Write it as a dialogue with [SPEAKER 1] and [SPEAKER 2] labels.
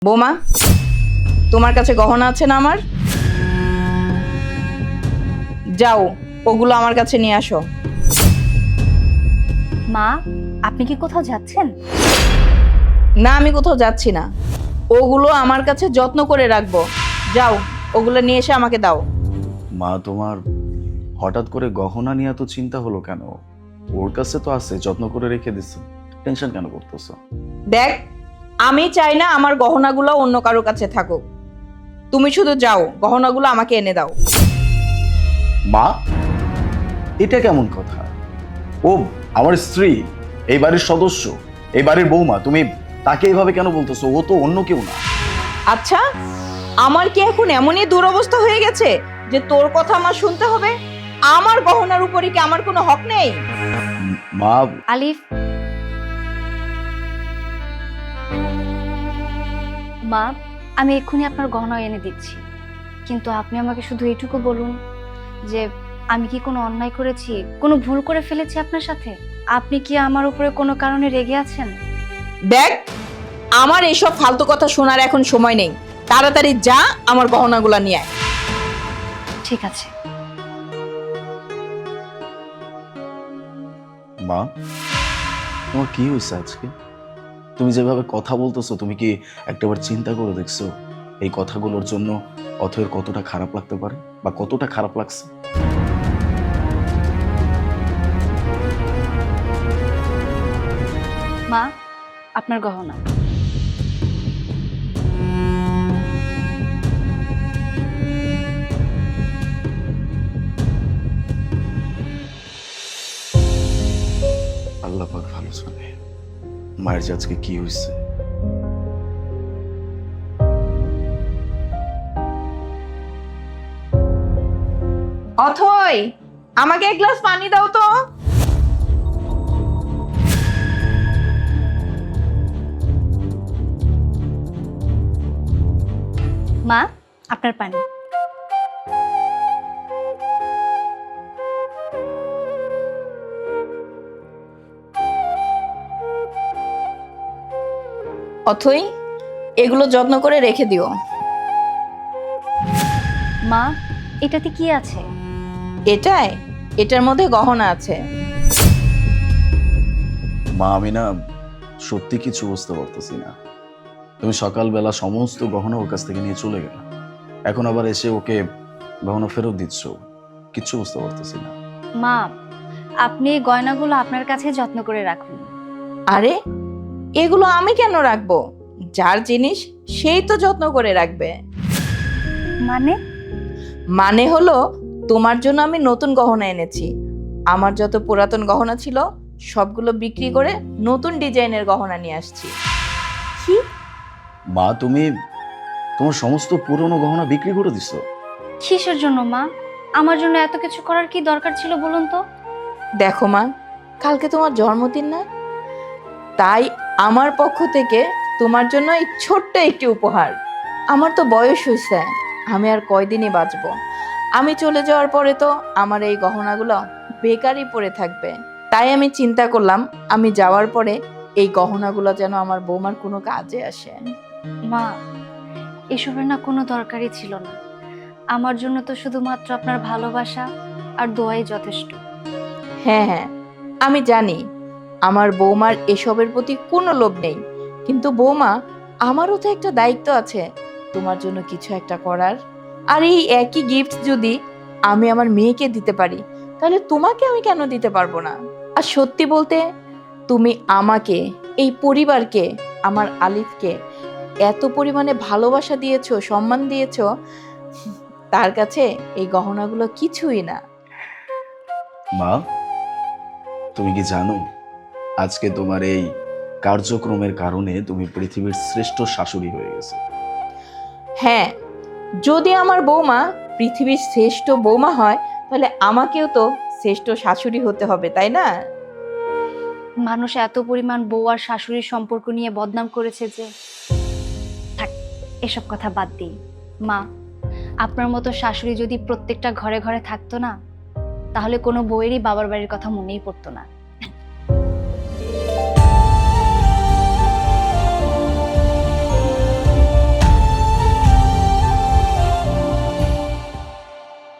[SPEAKER 1] বৌমা, তোমার কাছে গহনা আছে না আমার? যাও, ওগুলো আমার কাছে নিয়ে আসো।
[SPEAKER 2] মা, আপনি কি কোথাও যাচ্ছেন?
[SPEAKER 1] না, আমি কোথাও যাচ্ছি না। ওগুলো আমার কাছে যত্ন করে রাখবো। যাও, ওগুলো নিয়ে এসে আমাকে দাও।
[SPEAKER 3] মা, তোমার হঠাৎ করে গহনা নিয়ে এত চিন্তা হলো কেন? ওর কাছে তো আছে, যত্ন করে রেখে দিচ্ছে, টেনশন কেন করতেছো?
[SPEAKER 1] দেখ, আমি চাই না আমার গহনাগুলো অন্য কারো কাছে থাকুক। তুমি শুধু যাও, গহনাগুলো আমাকে এনে দাও।
[SPEAKER 3] মা, এটা কেমন কথা? ও আমার স্ত্রী, এই বাড়ির সদস্য, এই বাড়ির বৌমা, তুমি তাকে এইভাবে কেন বলতেছো? ও তো অন্য কেউ না।
[SPEAKER 1] আচ্ছা, আমার কি এখন এমনই দুরবস্থা হয়ে গেছে যে তোর কথা আমার শুনতে হবে? আমার গহনার উপরে কি আমার কোনো হক নেই?
[SPEAKER 3] মা,
[SPEAKER 2] আলিফ, মা, আমি এক্ষুনি আপনার গহনা এনে দিচ্ছি, কিন্তু আপনি আমাকে শুধু এইটুকু বলুন যে আমি কি কোনো অন্যায় করেছি, কোনো ভুল করে ফেলেছি আপনার সাথে? আপনি কি আমার উপরে কোনো কারণে রেগে আছেন?
[SPEAKER 1] দেখ, আমার এইসব ফালতু কথা শোনার এখন সময় নেই। তাড়াতাড়ি যা, আমার গহনাগুলো নিয়ে আয়।
[SPEAKER 2] ঠিক আছে।
[SPEAKER 3] মা, তোমার কি হয়েছে আজকে? তুমি যেভাবে কথা বলতেছো, তুমি কি একটাবার চিন্তা করে দেখছো এই কথাগুলোর জন্য অথয়ের কতটা খারাপ লাগতে পারে বা কতটা খারাপ লাগছে?
[SPEAKER 2] মা, আপনার গহনা।
[SPEAKER 3] আল্লাহ পাক ভালো জানে মায়ের যে আজকে কি হয়েছে।
[SPEAKER 1] অথই, আমাকে এক গ্লাস পানি দাও তো।
[SPEAKER 2] মা, আপনার পানি।
[SPEAKER 1] অথই, এগুলো যত্ন করে রেখে দিও।
[SPEAKER 2] মা, এটাতে কি আছে?
[SPEAKER 1] এটার মধ্যে গহনা আছে।
[SPEAKER 3] মা, আমি না সত্যি কিছু বুঝতে পারতেছি না। তুমি সকালবেলা সমস্ত গহনা ওর কাছ থেকে নিয়ে চলে গেলে, এখন আবার এসে ওকে গহনা ফেরত দিচ্ছ। কিচ্ছু বুঝতে পারতেছি না।
[SPEAKER 2] মা, আপনি এই গয়নাগুলো আপনার কাছে যত্ন করে রাখুন।
[SPEAKER 1] আরে, এগুলো আমি কেন রাখবো? যার জিনিস সেই তো যত্ন করে রাখবে।
[SPEAKER 2] মানে?
[SPEAKER 1] মানে হলো, তোমার জন্য আমি নতুন গহনা এনেছি। আমার যত পুরাতন গহনা ছিল সবগুলো বিক্রি করে নতুন ডিজাইনের গহনা নিয়ে আসছি।
[SPEAKER 2] কি?
[SPEAKER 3] মা, তুমি তোমার সমস্ত পুরনো গহনা বিক্রি করে দিছো?
[SPEAKER 2] কিসের জন্য মা? আমার জন্য এত কিছু করার কি দরকার ছিল বলুন তো?
[SPEAKER 1] দেখো মা, কালকে তোমার জন্মদিন না? তাই আমার পক্ষ থেকে তোমার জন্য এই ছোট্ট একটি উপহার। আমার তো বয়স হয়েছে, আমি আর কয়দিনই বাঁচবো। আমি চলে যাওয়ার পরে তো আমার এই গহনাগুলো বেকারই পড়ে থাকবে। তাই আমি চিন্তা করলাম, আমি যাওয়ার পরে এই গহনাগুলো যেন আমার বৌমার কোনো কাজে আসে।
[SPEAKER 2] মা, এসবের না কোনো দরকারই ছিল না। আমার জন্য তো শুধুমাত্র আপনার ভালোবাসা আর দোয়াই যথেষ্ট।
[SPEAKER 1] হ্যাঁ হ্যাঁ, আমি জানি আমার বৌমার এসবের প্রতি কোনো লোভ নেই, কিন্তু বৌমা, আমারও তো একটা দায়িত্ব আছে তোমার জন্য কিছু একটা করার। আর এই একই গিফট যদি আমি আমার মেয়েকে দিতে পারি, তাহলে তোমাকে আমি কেন দিতে পারবো না? আর সত্যি বলতে, তুমি আমাকে, এই পরিবারকে, আমার আলিফকে এত পরিমাণে ভালোবাসা দিয়েছো, সম্মান দিয়েছো, তার কাছে এই গহনাগুলো কিছুই না।
[SPEAKER 3] মা, তুমি কি জানো আজকে তোমার এই কার্যক্রমের কারণে তুমি পৃথিবীর শ্রেষ্ঠ শাশুড়ি হয়ে গেছে?
[SPEAKER 1] হ্যাঁ, যদি আমার বৌমা পৃথিবীর শ্রেষ্ঠ বৌমা হয়, তাহলে আমাকেও তো শ্রেষ্ঠ শাশুড়ি হতে হবে, তাই না?
[SPEAKER 2] মানুষ এত পরিমাণ বউ আর শাশুড়ির সম্পর্ক নিয়ে বদনাম করেছে যে, থাক, এসব কথা বাদ দিই। মা, আপনার মতো শাশুড়ি যদি প্রত্যেকটা ঘরে ঘরে থাকতো না, তাহলে কোনো বউয়েরই বাবার বাড়ির কথা মনেই পড়তো না।